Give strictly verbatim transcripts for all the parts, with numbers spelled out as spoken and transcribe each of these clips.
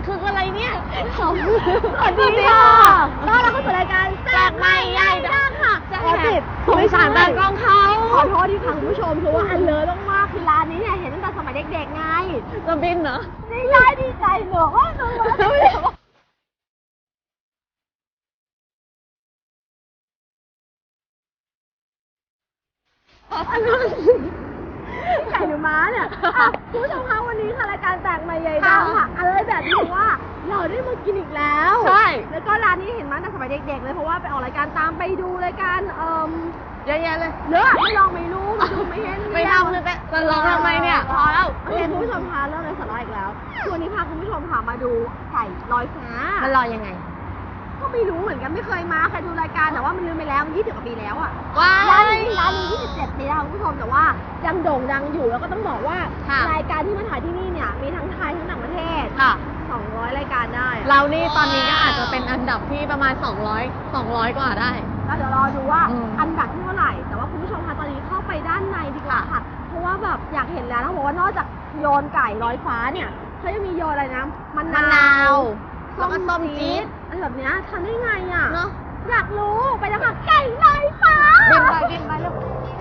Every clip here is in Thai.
คืออะไรเนี่ยสวัสดีค่ะต้อนรับเข้าสู่รายการแซ่บใหม่ใหญ่ดังค่ะจะแหกสงสารตากล้องเขาขอโทษที่ค่ะคุณผู้ชมคือว่าอันเลอะมากๆคือร้านนี้เนี่ยเห็นตั้งแต่สมัยเด็กๆไงจะบินเหรอดีใจดีใจเหรอไก่หรือม้าเนี่ยคุณผู้ชมคะวันนี้ค่ะรายการแตกใหม่ใหญ่ดังค่ะอะไรแบบนี้ว่าเราได้มากินอีกแล้วใช่แล้วก็ร้านนี้เห็นมาตั้งแต่สมัยเด็กๆเลยเพราะว่าไปออกรายการตามไปดูรายการเอ่อเยอะแยะเลยเนอะไม่ลองไม่รู้ไม่ดูไม่เห็นไม่ทำเลยแต่จะลองทำไมเนี่ยพอแล้วโอเคคุณผู้ชมคะเริ่มเลยสาระอีกแล้ววันนี้พาคุณผู้ชมค่ะมาดูไก่ลอยฟ้ามันลอยยังไงก็ไม่รู้เหมือนกันไม่เคยมาเคยดูรายการแต่ว่ามันลืมไปแล้วมันยี่สิบกว่าปีแล้วอ่ะว้าร้านนี้ร้านนี้ยี่สิบเจ็ดปีแล้วคุณผู้ชมแต่ว่ายังโด่งดังอยู่แล้วก็ต้องบอกว่ารายการที่มาถ่ายที่นี่เนี่ยมีทั้งไทยทั้งต่างประเทศค่ะสองร้อยรายการได้เรานี่ตอนนี้ก็อาจจะเป็นอันดับที่ประมาณสองร้อย สองร้อยกว่าได้ก็เดี๋ยวรอดูว่าอันดับที่เท่าไหร่แต่ว่าคุณผู้ชมคะตอนนี้เข้าไปด้านในดีกว่าค่ะเพราะว่าแบบอยากเห็นแล้วเขาบอกว่านอกจากโยนไก่ลอยฟ้าเนี่ยเขายังมีโยนอะไรนะมะนาวแล้วก็ส้มจี๊ดอะไรแบบนี้ทำได้ไงอ่ะเนาะอยากรู้ไปแล้วค่ะไก่ลอยฟ้าบินไปบินไปแล้ว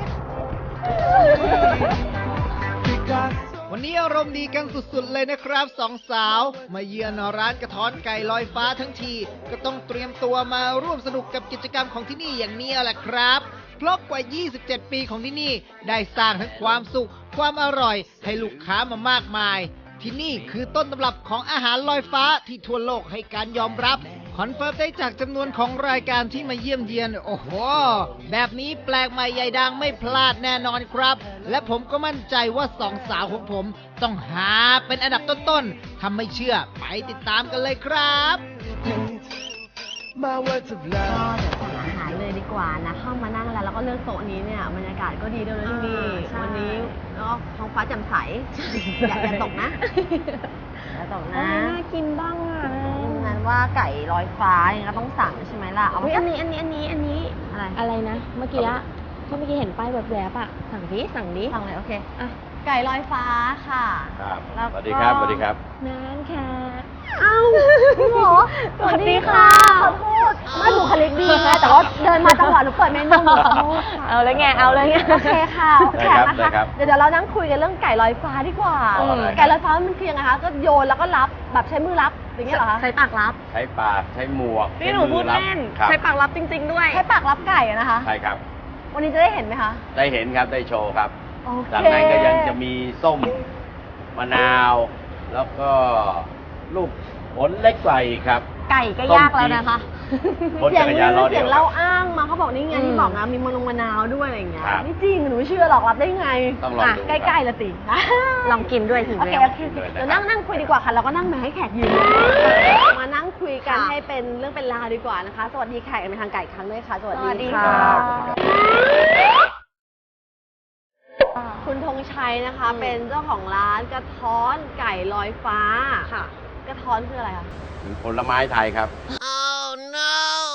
วันนี้อารมณ์ดีกันสุดๆเลยนะครับสองสาวมาเยือนร้านกระท้อนไก่ลอยฟ้าทั้งทีก็ต้องเตรียมตัวมาร่วมสนุกกับกิจกรรมของที่นี่อย่างนี้แหละครับเพราะกว่ายี่สิบเจ็ดปีของที่นี่ได้สร้างทั้งความสุขความอร่อยให้ลูกค้ามามากมายที่นี่คือต้นตำรับของอาหารลอยฟ้าที่ทั่วโลกให้การยอมรับคอนเฟิร์มได้จากจำนวนของรายการที่มาเยี่ยมเยียนโอ้โหแบบนี้แปลกใหม่ใหญ่ดังไม่พลาดแน่นอนครับและผมก็มั่นใจว่าสองสาวของผมต้องหาเป็นอันดับต้นๆถ้าไม่เชื่อไปติดตามกันเลยครับก็เดี๋ยวสั่งอาหารเลยดีกว่านะเข้ามานั่งแล้วแล้วก็เลือกโต๊ะนี้เนี่ยบรรยากาศก็ดีด้วยนะที่นี่วันนี้แล้วก็ท้องฟ้าแจ่มใสอย่าอย่าตกนะอย่าตกนะน่ากินบ้างอ่ะงั้นว่าไก่ลอยฟ้าอย่างก็ต้องสั่งใช่ไหมล่ะเอาอันนี้อันนี้อันนี้อันนี้อะไรอะไรนะเมื่อกี้ที่เมื่อกี้เห็นป้ายแวบๆอ่ะสั่งดิสั่งดิสั่งเลยโอเคอ่ะไก่ลอยฟ้าค่ะครับสวัสดีครับสวัสดีครับนานค่ะเอ้าพี่หมอสวัสดีค่ะขอโทษไม่บุคลิกดีนะแต่ว่าเดินมาจังหวะหนูเปิดเมนูขอโทษเอาเลยไงเอาเลยไงโอเคค่ะแขกนะคะเดี๋ยวเดี๋ยวเรานั่งคุยกันเรื่องไก่ลอยฟ้าดีกว่าไก่ลอยฟ้ามันคือยังไงคะก็โยนแล้วก็รับแบบใช้มือรับอย่างเงี้ยเหรอคะใช้ปากรับใช้ปากใช้หมวกนี่หนูพูดเล่นใช้ปากรับจริงๆด้วยใช้ปากรับไก่นะคะใช่ครับวันนี้จะได้เห็นไหมคะได้เห็นครับได้โชว์ครับจากนั้นก็ยังจะมีส้มมะนาวแล้วก็ลูกผลเล็กกว่าอีกครับไก่ก็ยากแล้วนะคะเสียงเสียงเล่าอ้างมาเขาบอกนี่ไงที่บอกนะมีมะนงมะนาวด้วยอะไรอย่างเงี้ยไม่จริงหนูไม่เชื่อหรอกรับได้ไงต้องลองดูใกล้ๆละติลองกินด้วยถึงโอเคโอเคเดี๋ยวนั่งนั่งคุยดีกว่าค่ะเราก็นั่งมาให้แขกยืนมานั่งคุยกันให้เป็นเรื่องเป็นราวดีกว่านะคะสวัสดีแขกเป็นทางไก่ครั้งด้วยค่ะสวัสดีค่ะคุณธงชัยนะคะเป็นเจ้าของร้านกระท้อนไก่ลอยฟ้าค่ะกระท้อนคืออะไรคะเป็นผลไม้ไทยครับ oh no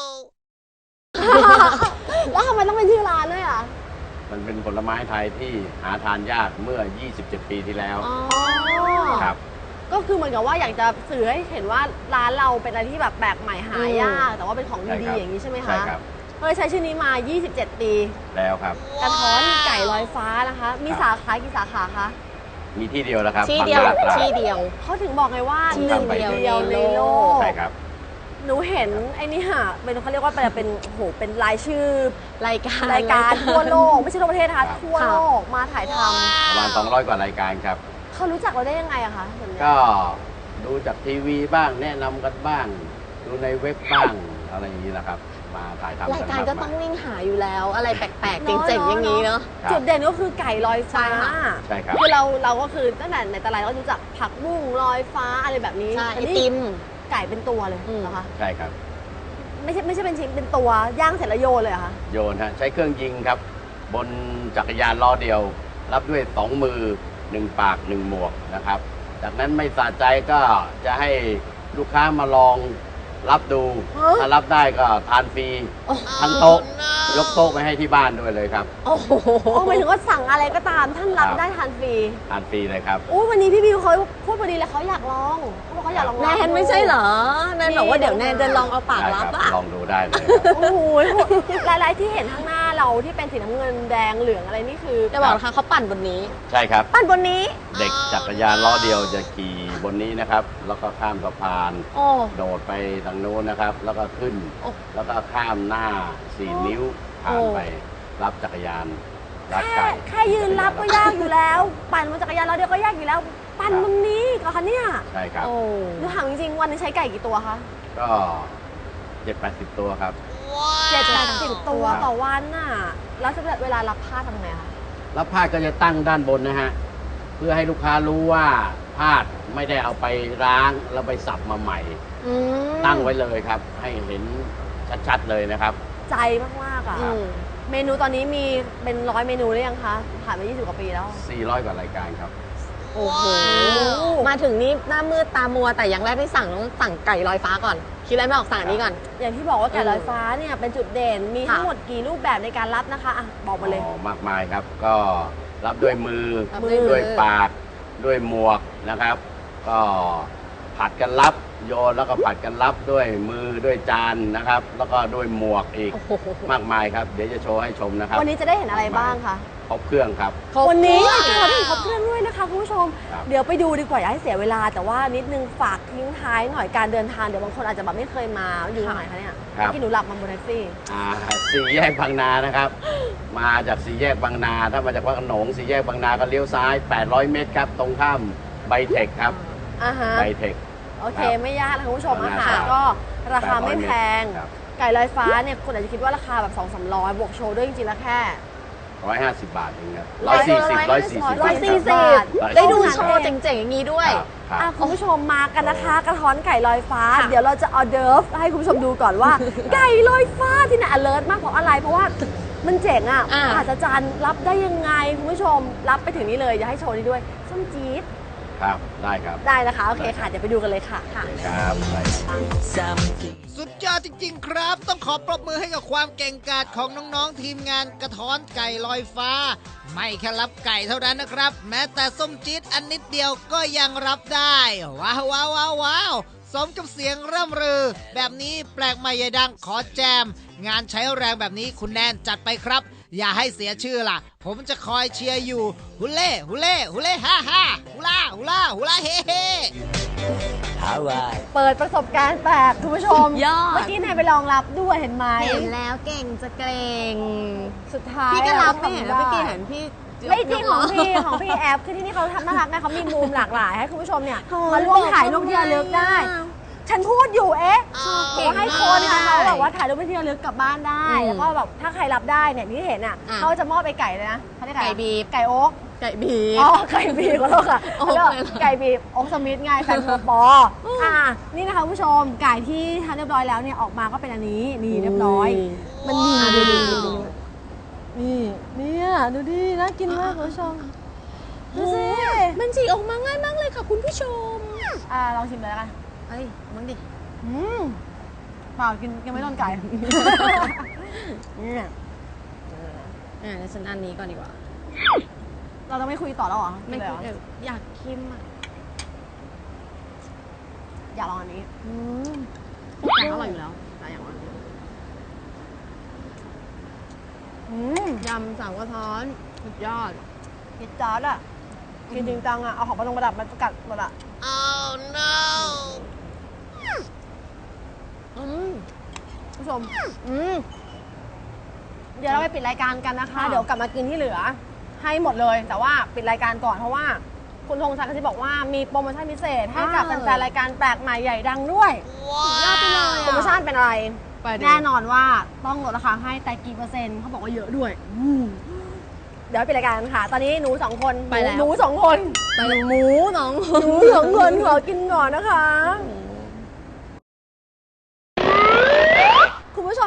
แล้วทำไมต้องเป็นชื่อร้านด้วยอ่ะมันเป็นผลไม้ไทยที่หาทานยากเมื่อยี่สิบเจ็ดปีที่แล้วครับก็คือเหมือนกับว่าอยากจะสื่อให้เห็นว่าร้านเราเป็นอะไรที่แบบแปลกใหม่หายากแต่ว่าเป็นของดีๆอย่างนี้ใช่ไหมคะใช่ครับเคยใช้ชื่อนี้มายี่สิบเจ็ดปีแล้วครับกระท้อนไก่ลอยฟ้านะคะมีสาขากี่สาขาคะมีที่เดียวแล้วครับที่เดียวที่เดียวเขาถึงบอกไงว่าหนึ่งเดียวในโลกใช่ครับหนูเห็นไอ้นี่ค่ะเป็นเขาเรียกว่าเป็นเป็นโหเป็นรายชื่อรายการรายการทั่วโลกไม่ใช่ทั่วประเทศนะคะทั่วโลกมาถ่ายทำประมาณสองร้อยกว่ารายการครับเขารู้จักเราได้ยังไงอะคะก็ดูจากทีวีบ้างแนะนำกันบ้างดูในเว็บบ้างอะไรอย่างนี้แหละครับมาถ่ายทำรายการก็ต้องวิ่งหาอยู่แล้วอะไรแปลกๆเจ๋งๆอย่างนี้เนาะจุดเด่นก็คือไก่ลอยฟ้าใช่ครับคือเราเราก็คือตั้งแต่ในตลาดก็รู้จักผักบุ้งลอยฟ้าอะไรแบบนี้ไอติมไก่เป็นตัวเลยเหรอคะใช่ครับไม่ใช่ไม่ใช่เป็นชิ้นเป็นตัวย่างเสร็จแล้วโยนเลยเหรอคะโยนฮะใช้เครื่องยิงครับบนจักรยานล้อเดียวรับด้วยสองมือหนึ่งปากหนึ่งหมวกนะครับจากนั้นไม่สะใจก็จะให้ลูกค้ามาลองรับดูฮะถ้ารับได้ก็ทานฟรีโอ้โหทั้งโต๊ะ ยกโต๊ะไปให้ที่บ้านด้วยเลยครับโอ้โหหมายถึงว่าสั่งอะไรก็ตามท่านรับครับได้ทานฟรีทานฟรีเลยครับอู้วันนี้พี่บิวเขาพูดพอดีเลยเขาอยากลองเขาบอกเขาอยากลองแนนไม่ใช่เหรอ แนนบอกว่าเดี๋ยวแนนจะลองเอาปากได้รัครับ บอะลองดูได้เลยครับโอ้โหหลายๆที่เห็นข้างหน้าเราที่เป็นสีน้ำเงินแดงเหลืองอะไรนี่คือจะบอกนะคะเขาปั่นบนนี้ใช่ครับปั้นบนนี้เด็กจักรยานล้อเดียวจะขี่บนนี้นะครับ แล้วก็ข้ามสะพานโอ้โดดไปทางโน้นนะครับ แล้วก็ขึ้นโอ้แล้วก็ข้ามหน้าสี่นิ้วผ่านไปรับจักรยานรับแค่ไก่แค่ยืนรับก็ยากอยู่แล้ว ปั่นบนจักรยานเราเดียวก็ยากอยู่แล้ว ปั่นบนนี้เหรอคะเนี่ยใช่ครับโอ้หนูถามจริงๆวันนึงใช้ไก่กี่ตัวคะก็เจ็ดแปดสิบตัวครับเจ็ดแปดสิบตัวครับต่อวันน่ะแล้วเวลารับผ้าทำไงคะแล้วผ้าก็จะตั้งด้านบนนะฮะ เพื่อให้ลูกค้ารู้ว่าผ้าไม่ได้เอาไปล้างแล้วไปสับมาใหม่อืมตั้งไว้เลยครับ ให้เห็นชัดๆเลยนะครับใจมากๆอ่ะอืมเมนูตอนนี้มีเป็นร้อยเมนูหรือยังคะ ผ่านมายี่สิบกว่าปีแล้วสี่ร้อยกว่ารายการครับโอ้โห มาถึงนี่หน้ามืดตามัวแต่อย่างแรกที่สั่งต้องสั่งไก่ลอยฟ้าก่อน คิดอะไรไม่ออกสั่งอันนี้ก่อนอย่างที่บอกว่าไก่ลอยฟ้าเนี่ยเป็นจุดเด่น มีทั้งค่ะหมดกี่รูปแบบในการรับนะคะอ่ะบอกมาเลยอ๋อ มากมายครับ ก็รับด้วยมือรับด้วยมือด้วยปาก ด้วยหมวกนะครับ ก็ผัดกันรับโยนแล้วก็ผัดกันรับด้วยมือด้วยจานนะครับ แล้วก็ด้วยหมวกอีกโอ้โหมากมายครับ เดี๋ยวจะโชว์ให้ชมนะครับวันนี้จะได้เห็นอะไรบ้างคะครบเครื่องครับวันนี้เราได้เห็นครบเครื่องด้วยนะคะคุณผู้ชมครับเดี๋ยวไปดูดีกว่าอย่าให้เสียเวลา แต่ว่านิดนึงฝากทิ้งท้ายหน่อยการเดินทางเดี๋ยวบางคนอาจจะแบบไม่เคยมาอยู่ตรงไหนคะเนี่ยครับที่หนูหลับมาบนแท็กซี่อ่าสี่แยกบางนานะครับ มาจากสี่แยกบางนา ถ้ามาจากวัดขนงสี่แยกบางนาก็เลี้ยวซ้าย แปดร้อยเมตรครับ ตรงข้ามไบเทคครับอ่าฮะไบเทคโอเคครับไม่ยากนะคุณผู้ชมประอามาณหารก็ราคาไม่แพงครับไก่ลอยฟ้าเนี่ยคนอาจจะคิดว่าราคาแบบสองสามร้อยบวกโชว์ด้วยจริงๆแล้วแค่ร้อยห้าสิบบาทเองครับร้ร้ออย ยสี่สิบร้อยสี่สิบร้อยสี่สิบได้ดูโชว์เจ๋งๆอย่างนี้ด้วยครับอ่ะคุณผู้ชมมากันนะคะ กระท้อนไก่ลอยฟ้าค่ะเดี๋ยวเราจะออเดิร์ฟให้คุณผู้ชมดูก่อนว่า ไก่ลอยฟ้าที่ไหน alert มากเพราะอะไร เพราะว่ามันเจ๋งอ่ะอ่าอาจารย์รับได้ยังไงคุณผู้ชมรับไปถึงนี้เลยอย่าให้โชว์นี้ด้วยส้มจี๊ดครับ ได้ครับได้นะคะโอเคค่ะเดี๋ยวไปดูกันเลยค่ะค่ะครับได้ครับสุดยอดจริง ๆ ครับ ต้องขอปรบมือให้กับความเก่งกาจของน้องๆทีมงานกระท้อนไก่ลอยฟ้า ไม่แค่รับไก่เท่านั้นนะครับ แม้แต่ส้มจี๊ดอันนิดเดียวก็ยังรับได้ ว้าวว้าวว้าวว้าวสมกับเสียงร่ำรือ แบบนี้แปลกใหม่ใหญ่ดังขอแจม งานใช้แรงแบบนี้คุณแนนจัดไปครับ อย่าให้เสียชื่อล่ะ ผมจะคอยเชียร์อยู่ฮุเล่ฮุเล่ฮุเล่ฮ่าฮ่าฮุล่าฮุล่าฮุล่าเฮ่เฮ่เปิดประสบการณ์แปลกคุณผู้ชมยอดเมื่อกี้นายไปลองรับด้วยเห็นไหมเห็นแล้วเก่งจะเกรงสุดท้ายพี่ก็รับไม่ทำเห็นได้เมื่อกี้เห็นพี่ไม่จริงของพี่ของพี่แอปคือที่นี่เขาทำน่ารักไงเขามีมุมหลากหลายให้คุณผู้ชมเนี่ยโถ่มาร่วมถ่ายรูปที่ระลึกได้ ฉันพูดอยู่เอ๊ะเก่เขางให้คนค่ะมากเขาแบบว่าถ่ายรูปเป็นที่ระลึกกลับบ้านได้อืมแล้วก็แบบถ้าใครรับได้เนี่ยที่เห็นอ่ะอ่ะเขาจะมอบไปไก่เลยนะเขาเรียกไก่บีบไก่โอ๊กไก่บีอ๋อไก่บีบขอโทษค่ะโอ๊กแล้วเลยเหรอไก่บีบโอ๊กสมิธไงแฟนโปปออ่ะนี่นะคะคุณผู้ชมไก่ที่ทำเรียบร้อยแล้วเนี่ยออกมาก็เป็นอันนี้นี่เรียบร้อย มันมีดูดูดูดูนี่เนี่ยดูดิน่ากินมากคุณผู้ชมดูสิมันฉีกออกมาง่ายมากเลยค่ะคุณผู้ชมอ่าลองชิมเลยแล้วกันเอ้ยมึงดิอืมเปล่ากินยังไม่โดนไก่เนี่ยอ่าเดี๋ยวฉันอันนี้ก่อนดีกว่าเราจะไม่คุยต่อแล้วเหรอไม่เลยคิดเหรอเอออยากคิมอ่ะอยากลองอันนี้อืมทุกอย่างอร่อยอยู่แล้วแต่อย่างว่าอืมยำสามกระท้อนสุดยอดกินจาร์ดอ่ะกินจริงจังอ่ะเอาของประดงประดับมากัดหมดอ่ะอืมคุณผู้ชมอืมเดี๋ยวเราไปปิดรายการกันนะคะค่ะเดี๋ยวกลับมากินที่เหลือ ให้หมดเลย แต่ว่าปิดรายการก่อนเพราะว่าคุณธงชัยเขาจะบอกว่ามีโปรโมชั่นพิเศษให้กับแฟนๆรายการแปลกใหม่ใหญ่ดังด้วยยอดไปเลยโปรโมชั่นเป็นอะไรไปดูแน่นอนว่าต้องลดราคาให้แต่กี่เปอร์เซ็นต์เขาบอกว่าเยอะด้วยอืมเดี๋ยวไปปิดรายการกันค่ะ ตอนนี้หนูสองคนไปแล้วหนูสองคนไปหมูน้องหนูสองคนขอกินก่อนนะคะ คุณผู้ชม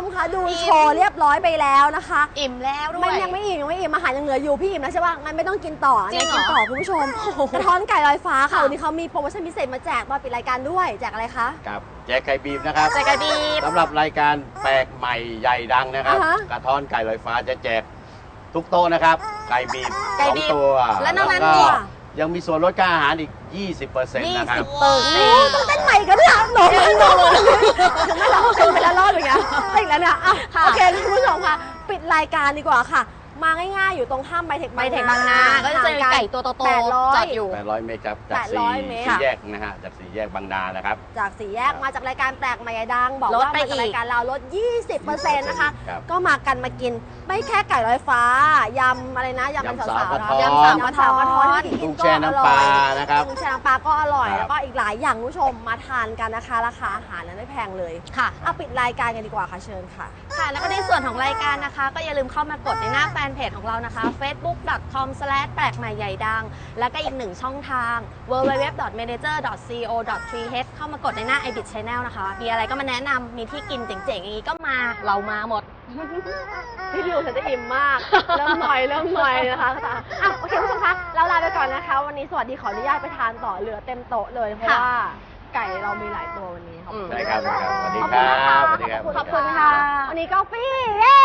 คะดูโชว์เรียบร้อยไปแล้วนะคะอิ่มแล้วด้วยมันยังไม่อิ่มยังไม่อิ่มอาหารยังเหลืออยู่พี่อิ่มแล้วใช่ป่ะงั้นไม่ต้องกินต่อจริงเหรอกินต่อคุณผู้ชมกระท้อนไก่ลอยฟ้าค่ะค่ะวันนี้เขามีโปรโมชั่นพิเศษมาแจกตอนปิดรายการด้วยแจกอะไรคะครับแจกไก่บีบนะครับใส่กระดีบสำหรับรายการแปลกใหม่ใหญ่ดังนะครับอ่าฮะกระท้อนไก่ลอยฟ้าจะแจกทุกโต๊ะนะครับ ไก่บีบไก่สองบีบตัวและนอกนั้นก็มียังมีส่วนลดค่าอาหารอีก ยี่สิบเปอร์เซ็นต์ยี่นะครัสิบบเปอร์เซ็โอ้นต์ต้องเต้นใหม่กันเนี่ยหนูไม่หนูไม่เราเป็นไปแล้วรอดอย่างเงี้ยติดแล้วเนี่ยอ่ะค่ะโอเคคุณผู้ชมค่ะ ปิดรายการดีกว่าค่ะ มาง่ายๆ อยู่ตรงข้ามไบเทคไปเทคบางนา ก็จะเจอไก่ตัวโตแปดร้อๆจยอดอยู่แปดร้อยเมตรครับ จากแปดร้สี่อยเมตรสี่แยกนะฮะ จากสี่แยกบางนานะครับจากสี่แยกมาจากรายการแปลกใหม่ดัง บอกลดว่าไปมาจากอีกรายการเราลด ยี่สิบเปอร์เซ็นต์ นะคะครับก็มากันมากิน ไม่แค่ไก่ลอยฟ้ายำอะไรนะยำเป็นยำสาสาววกระๆนะท้อนยำสาวกระท้อนกระท้อนที่กิกุ้นงก็แช่อน้ำร่ปอลาย นะครับกุ้งแช่น้ำปลาก็อร่อยครับแล้วก็อีกหลายอย่างคุณผู้ชมมาทานกันนะคะ ราคาอาหารนั้นไม่แพงเลยค่ะเอาปิดรายการกันดีกว่าค่ะเชิญค่ะค่ะ แล้วก็ในส่วนของรายการนะคะ ก็อย่าลืมเข้ามากดในหน้าแฟนเพจของเรานะคะ เฟซบุ๊ก ดอท คอม สแลช แปลกใหม่ใหญ่ดัง แล้วก็อีกหนึ่งช่องทาง ดับเบิลยู ดับเบิลยู ดับเบิลยู ดอท เมเนเจอร์ ดอท ซี โอ ดอท ที เอช เข้ามากดในหน้า ไอ บิท Channel นะคะ มีอะไรก็มาแนะนำมีที่กินเจ๋งๆ อย่างนี้ก็มา เรามาหมดพี่ดิวฉันจะอิ่มมาก เริ่มหน่อยเริ่มหน่อยนะคะอ่ะโอเคคุณผู้ชมคะเราลาไปก่อนนะคะ วันนี้สวัสดีขออนุญาตไปทานต่อเหลือเต็มโต๊ะเลยเพราะค่ะว่าไก่เรามีหลายตัววันนี้ขอบคุณได้ครับได้ครับสวัสดีขอบคคุณรันะคะบสวัสดีครับขอบคุณค่ะ วันนี้กาแฟเย้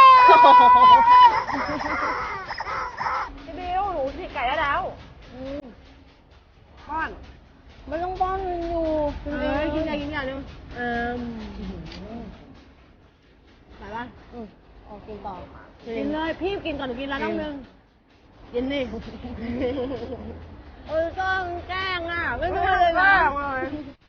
พี่บิวหนูฉีกไก่ได้แล้วป้อนไม่ต้องป้อนอยู่กินเลยกินอะไรกินอย่างนึงเออไหนบ้างอืมออกกินต่อกินเลยพี่กินก่อนหนูกินแล้วน้องนึงกินนี่เออก็แกล้งอ่ะไม่รู้เลยแกล้งเลย